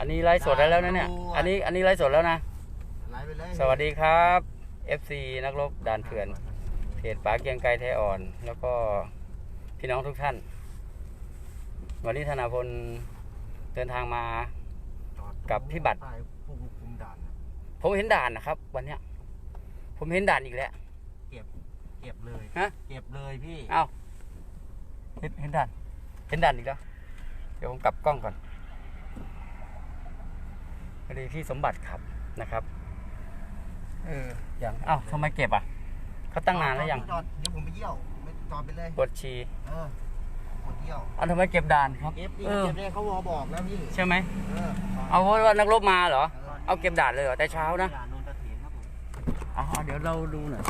อันนี้ไลฟ์สดได้แล้วนะเนี่ยอันนี้ไลฟ์สดแล้วนะไลฟ์ไปเลยสวัสดีครับ FC นักรบด่านเถื่อนเพจป๋าเกียงไกรไทยอ่อน แล้วก็พี่น้องทุกท่าน วันนี้ธนาพลเดินทางมากับพี่บัตรผมเห็นด่านนะครับ วันเนี้ยผมเห็นด่านอีกแล้วเก็บเลยฮะเก็บเลยพี่เอ้าเห็นด่านอีกแล้วเดี๋ยวผมกลับกล้องก่อนพอดีพี่สมบัติขับนะครับอย่างเอ้าทำไมเก็บอ่ะเขาตั้งนานแล้วยังจอดเดี๋ยวผมไปเยี่ยวไม่จอดไปเลยปวดฉี่ปวดเยี่ยวทำไมเก็บด่านครับเก็บเนี่ยเขาบอกแล้วพี่ใช่ไหมเอาเพราะว่านักรบมาเหรอเอาเก็บด่านเลยเหรอแต่เช้านะเดี๋ยวเราดูหน่อย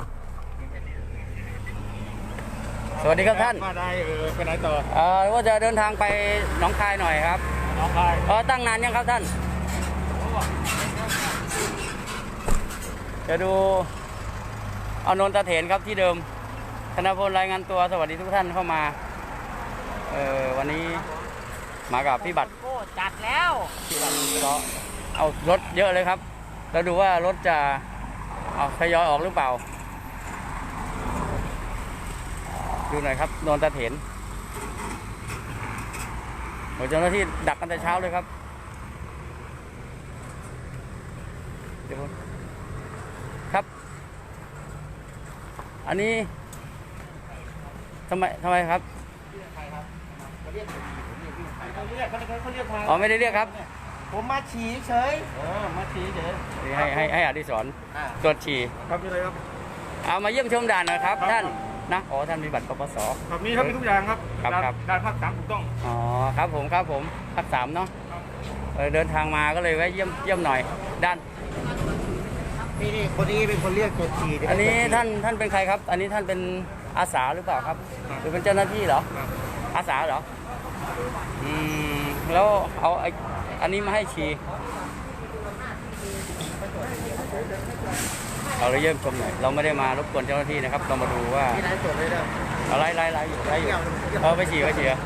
สวัสดีครับท่านมาได้ไปไหนต่อว่าจะเดินทางไปหนองคายหน่อยครับหนองคายตั้งนานยังครับท่านจะดูเอานนทเถนครับที่เดิมธนพลรายงานตัวสวัสดีทุกท่านเข้ามาวันนี้มากับพี่บัตรจัดแล้วพี่บัตรก็เอารถเยอะเลยครับแล้วดูว่ารถจะทยอยออกหรือเปล่าดูหน่อยครับนนทเถนเจ้าหน้าที่ดักกันแต่เช้าเลยครับเดี๋ยวครับอันนี้ทำไมครับเขาเรียกไม่ได้เรียกครับผมมาฉี่เฉยมาฉี่เฉยให้อดิศรตรวจฉี่ครับนี่เลยครับเอามาเยี่ยมชมด่านนะครับท่านนะท่านมีบัตรปปสครับมีครับมีทุกอย่างครับด่านภาค 3ถูกต้องครับผมภาค 3เนาะเดินทางมาก็เลยแวะเยี่ยมหน่อยด้านนี่คนนี้เป็นคนเรียกตรวจฉี่อันนี้ท่านเป็นใครครับอันนี้ท่านเป็นอาสาหรือเปล่าครับหรือเป็นเจ้าหน้าที่เหรออาสาเหรอแล้วเอาอันนี้มาให้ฉี่เราเยี่ยมชมหน่อยเราไม่ได้มารบกวนเจ้าหน้าที่นะครับเรามาดูว่าไล่อยู่ไปฉี่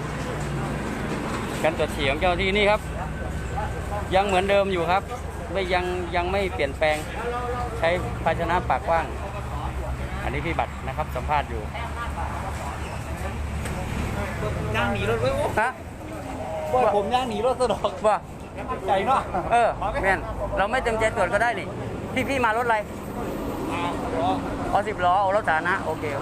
การตรวจฉี่ของเจ้าหน้าที่นี่ครับยังเหมือนเดิมอยู่ครับยังไม่เปลี่ยนแปลงใช้ภาชนะปากกว้างอันนี้พี่บัตรนะครับสัมภาษณ์อยู่ย่างหนีรถไว้ฮะว่าผมย่างหนีรถสะดอกว่าใหญ่เนาะแม่นเราไม่เต็มใจตรวจก็ได้นี่พี่มารถอะไร10 ล้อรถสาธารณะโอเคเขา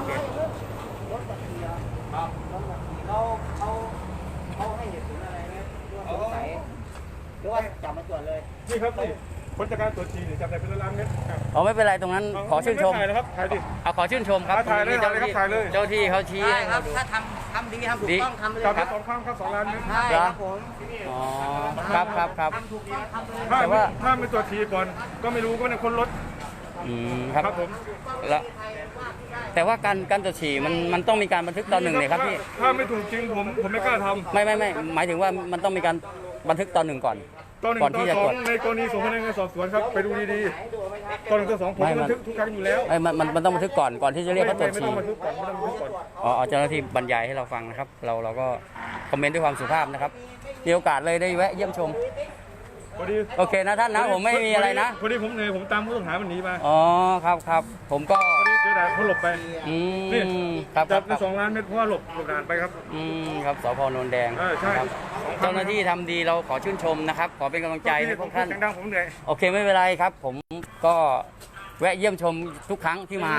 ให้เหตุผลอะไรไหมสงสัยหรือว่าจับมาตรวจเลยนี่ครับนี่ผลจากการตรวจฉี่จับได้เป็นล้านเม็ดไม่เป็นไรตรงนั้นขอชื่นชมถ่ายนะครับถ่ายดิขอชื่นชมครับถ่ายเลยเจ้าที่เขาชี้ให้ครับถ้าทำดีทำถูกต้องทำเลยครับ2 ครั้งครับ2 ล้านเม็ดใช่ครับผมครับถ้าไม่ตรวจฉี่ก่อนก็ไม่รู้ก็เป็นคนรถครับผมแล้วแต่ว่าการตรวจฉี่มันต้องมีการบันทึกตอนหนึ่งเลยครับพี่ถ้าไม่ถูกจริงผมไม่กล้าทำไม่หมายถึงว่ามันต้องมีการบันทึกตอนหนึ่งก่อนที่จะตรวจในกรณีส่งพนักงานสอบสวนครับไปดูดีๆตอน1 ต่อ 2ผมบันทึกทุกครั้งอยู่แล้วมันต้องบันทึกก่อนที่จะเรียกเขาตรวจฉี่เจ้าหน้าที่บรรยายให้เราฟังนะครับเราก็คอมเมนต์ด้วยความสุภาพนะครับมีโอกาสเลยได้แวะเยี่ยมชมโอเคนะท่านนะผมไม่มีอะไรนะพอดีผมเหนื่อยผมตามผู้ต้องหามันหนีมาครับผมก็พอดีเจอด่านเขาหลบไปนี่ครับจับใน2 ล้านเม็ดเพราะว่าหลบด่านไปครับครับสพ.โนนแดงใช่เจ้าหน้าที่ทำดีเราขอชื่นชมนะครับขอเป็นกำลังใจให้พวกท่านผมเหนื่อยโอเคไม่เป็นไรครับผมก็แวะเยี่ยมชมทุกครั้งที่มา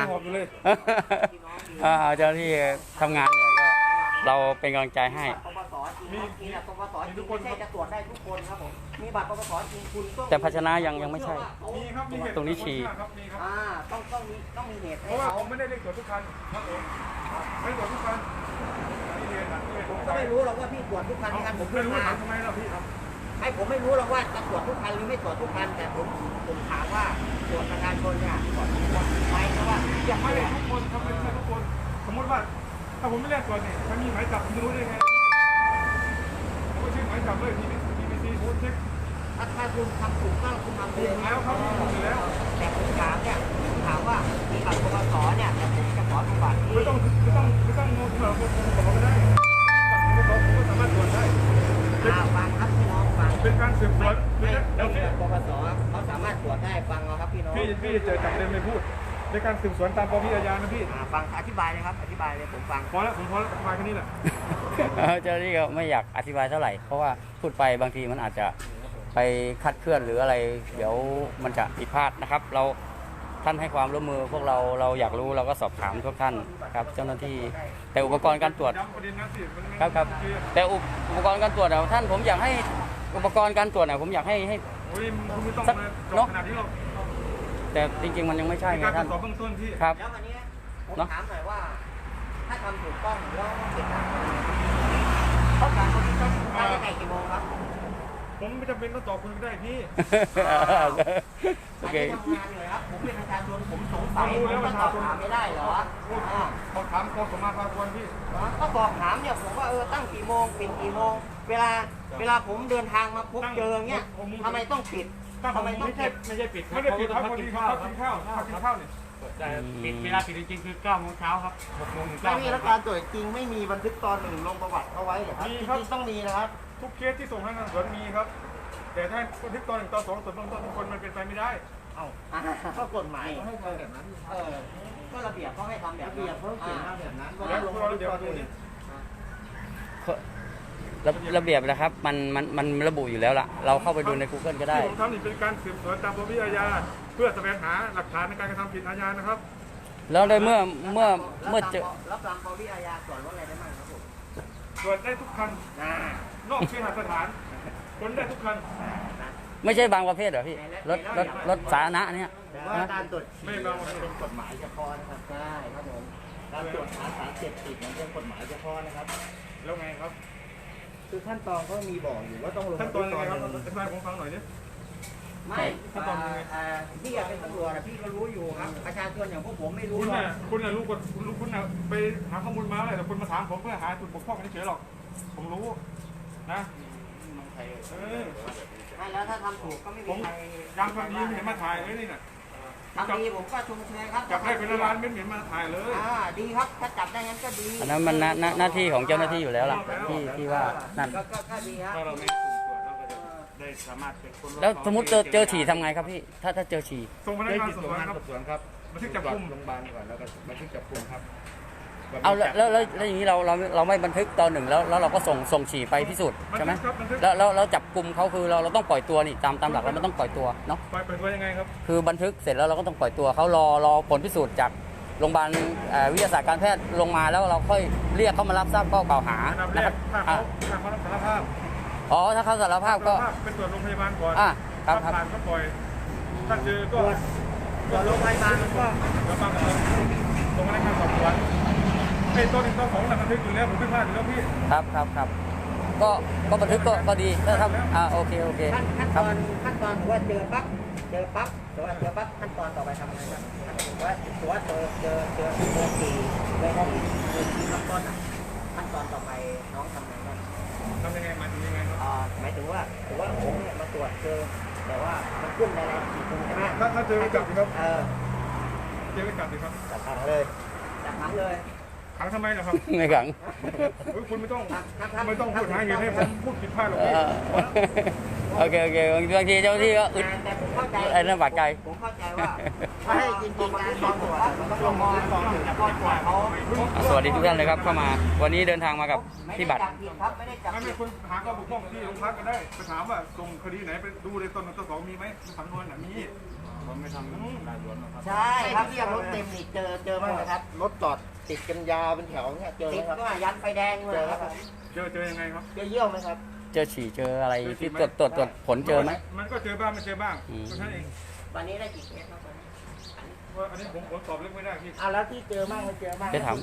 เจ้าหน้าที่ทำงานเนี่ยก็เราเป็นกำลังใจให้ทุกคนจะตรวจได้ทุกคนครับผมมีบัตรปปสจริงคุณแต่ภาชนะยังไม่ใช่ตรงนี้ฉี่ต้องมีเหตุเพราะว่าผมไม่ได้เรียกตรวจทุกคันครับผมไม่ตรวจทุกคันผมก็ไม่รู้หรอกว่าพี่ตรวจทุกคันกันผมไม่รู้ถามทำไมล่ะพี่ให้ผมไม่รู้หรอกว่าจะตรวจทุกคันหรือไม่ตรวจทุกคันแต่ผมถามว่าตรวจประชาชนเนี่ยตรวจทุกคนไหมเพราะว่าอยากไม่ได้ทุกคนทำไม่ใช่ทุกคนสมมติว่าถ้าผมไม่เรียกตรวจเนี่ยถ้ามีหมายจับผมจะรู้ได้ไงผมก็เช็คหมายจับเลยBBC โพสเช็คถ้าคุณทำถูกต้องคุณทำเลยแล้วเขาถูกแล้วแต่ผมถามว่ามีบัตรปปสเนี่ยแต่ผมจะขอดูบัตรไม่ต้องงงเราก็ได้บัตรปปสผมก็สามารถตรวจได้ฟังครับพี่น้องฟังเป็นการสืบสวนไม่เดี๋ยวพี่ปปสเขาสามารถตรวจได้ฟังเอาครับพี่น้องพี่เจอจับเดินไม่พูดในการสืบสวนตามปวิอาญานะพี่ฟังอธิบายเลยครับอธิบายเลยผมฟังพอแล้วผมพอแล้วมาแค่นี้แหละเจ้าหน้าที่ก็ไม่อยากอธิบายเท่าไหร่เพราะว่าพูดไปบางทีมันอาจจะไปคลาดเคลื่อนหรืออะไร เดี๋ยวมันจะผิดพลาดนะครับ เราท่านให้ความร่วมมือพวกเราอยากรู้เราก็สอบถามทุกท่านครับเจ้าหน้าที่แต่อุปกรณ์การตรวจย้ำประเด็นนั้นสิมันไม่ครับแต่อุปกรณ์การตรวจเนี่ยท่านผมอยากให้อุปกรณ์การตรวจเนี่ยผมอยากให้โอ้ยคุณไม่ต้องสักมาจเนออะขนาดนี้หรอกแต่จริงๆมันยังไม่ใช่มีไงการตรท่าวน จสอบเบื้องต้นที่ครับแล้ววันนี้ผมเนอะถามหน่อยว่า ถ้าทำถูกต้องแล้วเก็บหลักฐานต้องการคนที่ต้องได้ยังไงกี่โมงครับผมไม่จำเป็นต้องตอบคุณก็ได้พี่โออันเคนี้ทำงานเลยครับผมเป็นประชาชนผมสงสัยผมก็ตอบถามไม่ได้เหรออ่าบอกถามกองสมมาพากรพี่ก็บอกถามเนี่ยผมว่าตั้งกี่โมงปิดกี่โมง เวลาผมเดินทางมาพบเจอเนี่ยทำไมต้องปิดทำไมต้องเก็บไม่ใช่ปิดครัไม่บได้ปิดครับเขาพอกิดีนเขาข้าวกินข้าวเขากินข้าวเนี่ยแต่ปิดเวลาปิดจริงๆคือ9 โมงเช้าครับ6 โมงถึงไม่ 9 โมมีงแล้วการตรวจจริงไม่มีบันทึกตอนหนึ่งลงประวัติเอาไว้เหรอครับจริงๆต้องมีนะครับทุกเคสที่ส่งให้งานสวนมีครับ แต่ถ้าบันทึกตอนหนึ่งตอนสองตรวจเบื้องต้นทุกคนมันเป็นไปไม่ได้ก็กฎหมายให้ทำแบบนั้นก็ระเบียบเขาให้ทำแบบนั้นระเบียบเขาเขียนมาแบบนั้นแล้วพวกเราเดี๋ยวดูนี่ระเบียบนะครับมันระบุอยู่แล้วล่ะ เราเข้าไปดูใน Google ก็ได้ที่ผมทำนี่เป็นการสืบสวนตามปวิอาญาเพื่อแสวงหาหลักฐานในการกระทำผิดอาญานะครับแล้วได้เมื่อเจอรับตามปวิอาญาส่วนลดอะไรได้บ้างครับผมตรวจได้ทุกคันนอกเคหสถานค้นได้ทุกคันไม่ใช่บางประเภทเหรอพี่รถสาธารณะเนี่ยแต่ว่าการตรวจไม่ฉี่เราเป็นกฎหมายเฉพาะนะครับใช่ครับผมการตรวจหาสารเสพติดมันเป็นกฎหมายเฉพาะนะครับแล้วไงครับคือขั้นตอนก็มีบอกอยู่ว่าต้องลงขั้นตอนยังไงครับอธิบายผมฟังหน่อยดิไม่พี่อยากเป็นตำรวจนะพี่ก็รู้อยู่ครับประชาชนอย่างพวกผมไม่รู้คุณหรอน่ะกคุณน่ะรู้กฎคุณน่ะไปหาข้อมูลมาเลยแต่คุณมาถามผมเพื่อหาจุดบกพร่องเฉยๆหรอกผมรู้นะเออไม่แล้วถ้าทำถูกก็ไม่ผมีมใครยังทำดีไม่เห็นมาถ่ายเลยนี่น่ะทำดีผมก็ชมเชยครับจับได้เป็นล้านไม่เห็นมาถ่ายเลยดีครับถ้าจับได้งั้นก็ดีอันนั้นมันหน้าที่ของเจ้าหน้าที่อยู่แล้วล่ะที่ว่านั่นก็ดีครับถ้าเราไม่สุ่มตรวจเราก็จะได้สามารถเป็นคนแล้วสมมติเจอฉี่ทำไงครับพี่ถ้าเจอฉี่ส่งพนักได้งานติดสอบตัวสวนงานครับสอบสวนครับบันทึกจับกุมโรงพยาบาลก่อนแล้วก็บันทึกจับกุมครับเอาแล้วอย่างนี้เราไม่บันทึกตอนหนึ่งแล้วเราก็ส่งฉี่ไปพิสูจน์ใช่ไหมบันทึกแล้วจับกลุ่มเขาคือเราต้องปล่อยตัวนี่ตามหลักเรามันต้องปล่อยตัวเนาะปล่อยตัวยังไงครับคือบันทึกเสร็จแล้วเราก็ต้องปล่อยตัวเขารอผลพิสูจน์จากโรงพยาบาลวิทยาศาสตร์การแพทย์ลงมาแล้วเราค่อยเรียกเขามารับทราบข้อกล่าวหาอันดับแรนะคกรับถ้าเขารับสารภาพอ๋อถ้าเขาสารภาพก็เป็นตรวจโรงพยาบาลก่อนครับถ้าผ่านก็ปล่อยถ้าเจอก็ส่วนโรงพยาบาลมันก็แล้วบางคนลงพนักงานสอบสวนไอ้ตัวหนึ่งตัวสองน่ะบันทึกอยู่แล้วผมไม่พลาดอยู่แล้วพี่ครับก็บันทึกก็ดีนะครับโอเคขั้นคตรับอนถือว่าเจอปั๊บถือว่าเจอปั๊บขั้นตอนต่อไปทำอะไรครับถือว่าเจอสี่เลยขั้นต้นขั้นตอนต่อไปน้องทำไงบ้างทำยังไงหมายถึงยังไงครับหมายถึงว่าผมเนี่ยมาตรวจเจอแต่ว่ามันขึ้นในรายสี่คนใช่ไหมถ้าเจอจับสิครับเเจอจับสิครับจับขังเลยจับขังเลยขังทำไมล่ะครับไม่ขังคุณไม่ต้องพูดหาเหตุให้ผมพูดผิดพลาดหรอกพี่โอเคบางทีเจ้าหน้าที่ก็อึดแต่ผมเข้าใจไอ้นั่นบาดใจผมเข้าใจว่าให้จริงๆการตรวจมันต้องลงมือก่อนแต่พอตรวจเขาสวัสดีทุกท่านเลยครับเข้ามา วันนี้เดินทางมากับพี่บัตรไม่ได้จับผิดครับไม่ได้จับไม่ผิดคุณหาข้อบกพร่องที่โรงพักก็ได้ไปถามว่าส่งคดีไหนไปดูเลยต้นหนึ่งต้นสองมีไหมสำนวนมีผมไม่ทำการสวนนะครับใช่ครับที่รถเต็มนี่เจอบ้างไหมครับรถจอดติดกันยาวเป็นแถวเนี่ยเจอไหมครับติดก็ยันไฟแดงเลยครับเจอยังไงครับเจอเยี่ยวไหมครับเจอฉี่เจออะไรที่ตรวจผลเจอไหมมันก็เจอบ้างไม่เจอบ้างเพราะฉะนั้นเองวันนี้ได้กี่เคสครับว่าอันนี้ผมตอบเรื่องไม่ได้พี่เอาแล้วที่เจอบ้างไม่เจอบ้างจะถาม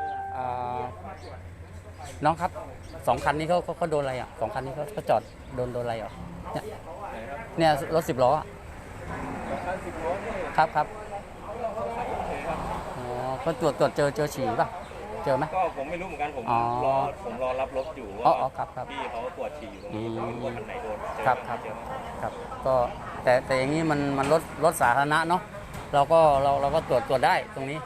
น้องครับ2 คันนี้เขาโดนอะไรอ่ะ2 คันนี้เขาจอดโดนอะไรอ่ะเนี่ยรถ10 ล้อครับอ๋อเขาตรวจเจอฉี่ป่ะเจอไหมก็ผมไม่รู้เหมือนกันผมอ๋อรอรับรถอยู่อ๋ว่าอครับพี่เขาตรวจฉี่อยู่ตรงนี้ผมไม่รู้ว่าคันไหนโดนเจอครับเจอไหมครับก็แต่อย่างนี้มันรถสาธารณะเนาะเราก็ตรวจได้ตรงนี้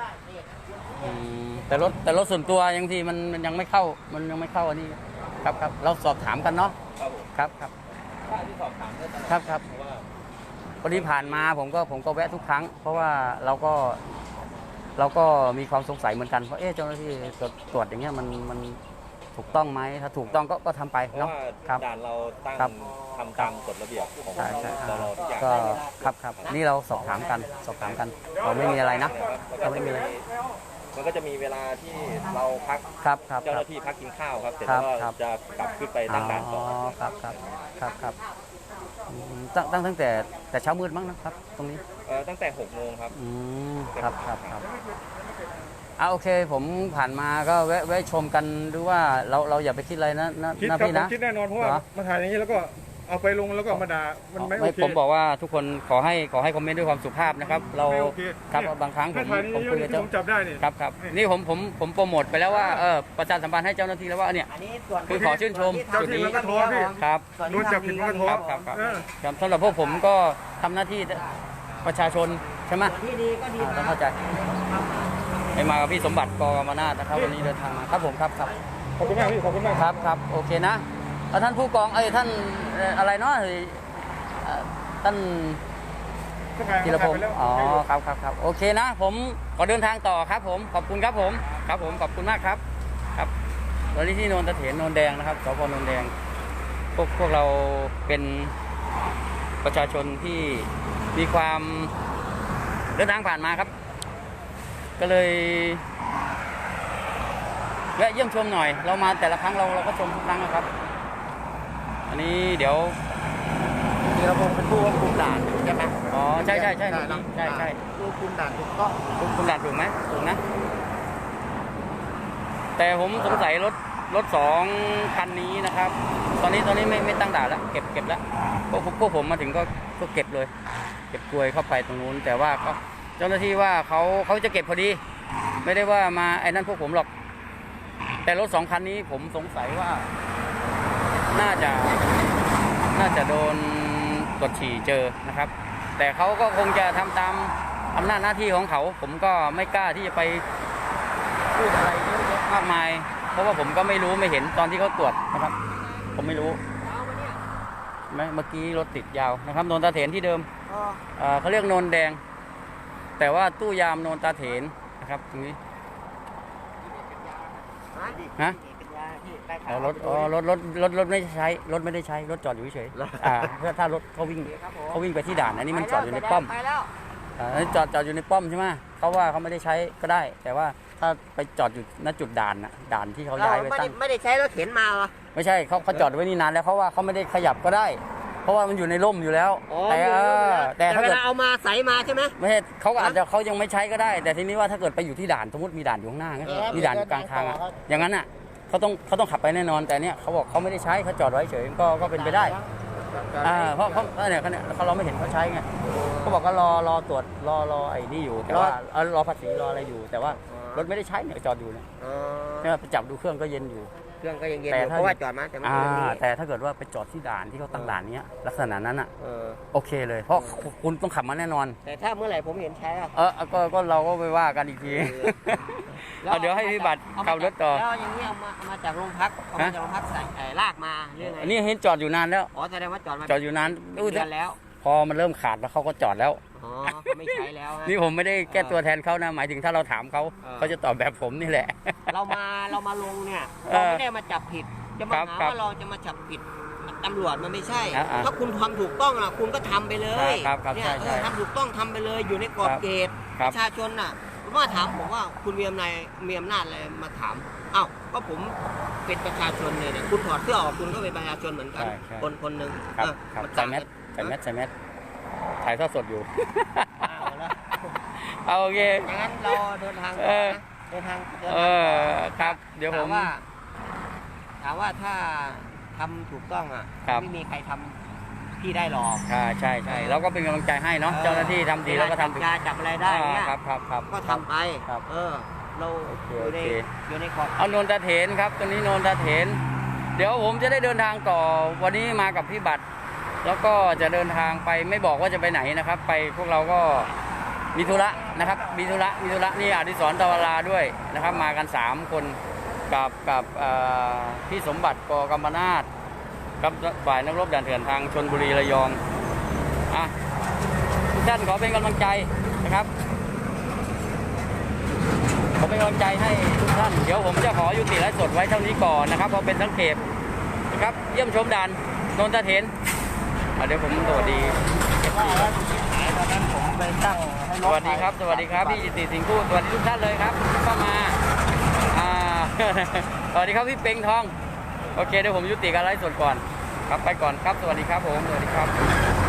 แต่รถส่วนตัวยังทีมันยังไม่เข้าอันนี้ครับเราสอบถามกันเนาะครับผมครับค่าที่สอบถามได้ตลอดครับครับเพราะว่าพอดีผ่านมาผมก็แวะทุกครั้ง เพราะว่าเราก็มีความสงสัยเหมือนกันว่าเจ้าหน้าที่ตรวจอย่างเงี้ยมันถูกต้องไหมถ้าถูกต้องก็ทำไปเพราะเนาะว่าครับด่านเราตั้งครับทำตามกฎระเบียบของใช่ใช่เราทุกอย่างก็ครับนี่เราสอบถามกันเราไม่มีอะไรนะแล้วเราไม่มีอะไรมันก็จะมีเวลาที่เราพักครับครับเจ้าคหรับน้าที่พักกินข้าวครับเสร็จครัแล้บวก็ครับจะกลับขึ้นไปตั้งด่านต่อครับตั้งแต่เช้ามืดมั้งนะครับ ตรงนี้ตั้งแต่6 โมงครับครับโอเคผมผ่านมาก็แวะชมกันดูว่าเราอย่าไปคิดอะไรนะคิดครับพี่ผมนะคิดแน่นอนเพราะว่าเหรอมาถ่ายอย่างนี้แล้วก็เอาไปลงแล้วก็มาด่ามันไม่โอเคผมบอกว่าทุกคนขอให้คอมเมนต์ด้วยความสุภาพนะครับ เราไม่โอเคครับเนี่ยบางครั้งผถ้าม ถ่ายนี้ผมเยคุอะยๆกับที่เจ้าผมจับได้นี่ครับนี่ผมโปรโมทไปแล้วว่าประชาสัมพันธ์ให้เจ้าหน้าที่แล้วว่าเนี่ยอันนี้ส่วนคือขอชื่นชมเจ้าที่มันก็โทรพี่ครับส่วนโดนจับผิดมันก็โทรครับเออครับสำหรับพวกผมก็ทำหน้าที่ประชาชนใช่ไหมส่วนที่ดีก็ดีต้องเข้าใจให้มากับพี่สมบัติกกมนาถนะครับวันนี้เดินทางมาครับผมครับขอบคุณมากพี่ขอบคุณมากครับโอเคนะท่านผู้กองท่านอะไรเนาะท่าน ธีรพงศ์อ๋อครับโอเคนะผมขอเดินทางต่อครับผมขอบคุณครับผมขอบคุณมากครับครับตอนนี้ที่โนนตะเถนโนนแดงนะครับสพโนนแดงพวกเราเป็นประชาชนที่มีความเดินทางผ่านมาครับ ก็เลยแวะเยี่ยมชมหน่อยเรามาแต่ละครั้งเราก็ชมทุกครั้งนะครับ อันนี้เดี๋ยวธีรพงศ์เป็นผู้ควบคุมด่านใช่ไหมอ๋อใช่ใช่ผู้คุมด่านถูกต้องคุณด่านถูกไหมถูกนะ แต่ผมสงสัยรถ2 คันนี้นะครับ ตอนนี้ไม่ตั้งด่านแล้วเก็บแล้วพวกผมมาถึงก็เก็บเลย เก็บกลวยเข้าไปตรงนู้นแต่ว่าก็เจ้าหน้าที่ว่าเขาจะเก็บพอดี ไม่ได้ว่ามาไอ้นั่นพวกผมหรอก แต่รถ2 คันนี้ผมสงสัยว่าน่าจะโดนตรวจฉี่เจอนะครับ แต่เขาก็คงจะทำตามอำนาจหน้าที่ของเขาผมก็ไม่กล้าที่จะไปพูดอะไรเยอะแยะมากมาย เพราะว่าผมก็ไม่รู้ไม่เห็นตอนที่เขาตรวจนะครับ ผมไม่รู้เมื่อกี้รถติดยาวนะครับโนนตาเถนที่เดิมเขาเรียกโนนแดง แต่ว่าตู้ยามโนนตาเถนนะครับตรงนี้ฮะรถไม่ได้ใช้รถไม่ได้ใช้รถจอดอยู่เฉยถ้ารถเขาวิ่งไปที่ด่านอันนี้มันจอดอยู่ในป้อมจอดอยู่ในป้อมใช่ไหมเขาว่าเขาไม่ได้ใช้ก็ได้ แต่ว่าถ้าไปจอดอยู่ณจุดด่านที่เขาย้ายไว้ตั้งไม่ได้ใช้รถเข็นมาเหรอไม่ใช่เขาจอดไว้นี่นานแล้วเขาว่าเขาไม่ได้ขยับก็ได้ เพราะว่ามันอยู่ในร่มอยู่แล้วแต่ถ้าเวเกิดลาเอามาใส่มาใช่ไหมไม่ใช่เขาอาจจะเขายังไม่ใช้ก็ได้ แต่ทีนี้ว่าถ้าเกิดไปอยู่ที่ด่านสมมติมีด่านอยู่ข้างหน้ามีด่านอยู่กลางทางอย่างนั้นเขาต้องขับไปแน่นอนแต่เนี่ยเขาบอกเขาไม่ได้ใช้เขาจอดไว้เฉยก็เป็นไปได้เพราะเนี่ยเราไม่เห็นเขาใช้ไงเขาบอกก็รอตรวจรอไอ้นี่อยู่แต่ว่ารอภาษีรออะไรอยู่ แต่ว่ารถไม่ได้ใช้เนี่ยจอดอยู่เนี่ยไปจับดูเครื่องก็เย็นอยู่เครื่องก็ยังเย็นอยู่เพราะว่าจอดมาแต่ไม่ได้แต่ถ้าเกิดว่าไปจอดที่ด่านที่เขาตั้งด่านเนี้ยลักษณะนั้นโอเคเลย เพราะคุณต้องขับมาแน่นอนแต่ถ้าเมื่อไหร่ผมเห็นใช้ก็เราก็ไปว่ากันอีกทีเดี๋ยวให้พี่บัตรขับรถต่อแล้วอย่างนี้เอามาจากโรงพักเอามาจากโรงพักใส่ลากมาเรื่องไงอันนี้เห็นจอดอยู่นานแล้วอ๋อแสดงว่าจอดมาจอดอยู่นานเดือนแล้วพอมันเริ่มขาดแล้วเขาก็จอดแล้วอ๋อเขาไม่ใช้แล้วนี่ผมไม่ได้แก้ตัวแทนเขานะหมายถึงถ้าเราถามเขาเขาจะตอบแบบผมนี่แหละเรามาลงเนี่ยเราไม่ได้มาจับผิดจะมาหาว่าเราจะมาจับผิดตำรวจมันไม่ใช่ถ้าคุณทำถูกต้องนะคุณก็ทำไปเลยเนี่ยทำถูกต้องทำไปเลยอยู่ในกรอบเกณฑ์ประชาชนน่ะมาถามผมว่าคุณมีอำนาจอะไรมาถามอ้าวก็ผมเป็นประชาชนเนี่ยคุณถอดเสื้อออกคุณก็เป็นประชาชนเหมือนกันคนหนึ่งใส่แมสถ่ายทอดสดอยู่เอาโอเคอย่างนั้นเราเดินทางครับเดี๋ยวผมถามว่าถ้าทำถูกต้องไม่มีใครทำพี่ได้หรอกใช่เราก็เป็นกำลังใจให้เนาะเจ้าหน้าที่ทำดีแล้วก็ทำถูกจับอะไรได้เนี่ยครับก็ทำไปเราอยู่ในขอบเอาโนนตาเถนครับตรงนี้โนนตาเถนเดี๋ยวผมจะได้เดินทางต่อวันนี้มากับพี่บัตรแล้วก็จะเดินทางไปไม่บอกว่าจะไปไหนนะครับไปพวกเราก็มีธุระนะครับมีธุระนี่อดิศรตวราด้วยนะครับมากัน3 คนกับพี่สมบัติกกมนาถครับฝ่ายนักรบด่านเถื่อนทางชลบุรีระยองทุกท่านขอเป็นกำลังใจนะครับขอเป็นกำลังใจให้ทุกท่านเดี๋ยวผมจะขอยุติไลฟ์สดไว้เท่านี้ก่อนนะครับเพราะเป็นสังเกตนะครับเยี่ยมชมด่านโนนตะเถนเดี๋ยวผมสวัสดีตอนนั้นผมไปตั้งให้สวัสดีครับสวัสดีครับพี่จิตติสิงห์พูดสวัสดีทุกท่านเลยครับเข้ามาสวัสดีครับพี่เป็งทองโอเคเดี๋ยวผมยุติการไลฟ์สดก่อนครับไปก่อนครับสวัสดีครับผมสวัสดีครับ